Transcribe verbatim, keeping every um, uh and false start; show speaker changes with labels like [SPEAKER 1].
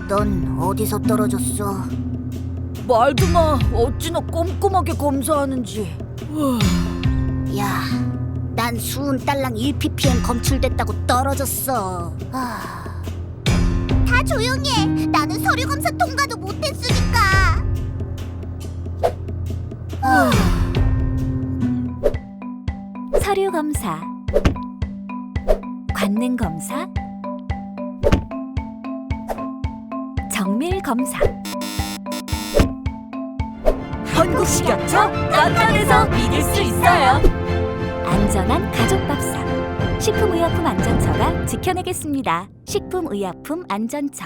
[SPEAKER 1] 넌 어디서 떨어졌어?
[SPEAKER 2] 말도 마. 어찌나 꼼꼼하게 검사하는지.
[SPEAKER 1] 야, 난 수은 딸랑 일 피피엠 검출됐다고 떨어졌어. 아. 다 조용히 해. 나는 서류 검사 통과도 못했으니까. 아.
[SPEAKER 3] 서류 검사, 관능 검사, 정밀 검사.
[SPEAKER 2] 한국식약처 간단해서 믿을 수 있어요.
[SPEAKER 3] 안전한 가족 밥상. 식품의약품 안전처가 지켜내겠습니다. 식품의약품 안전처.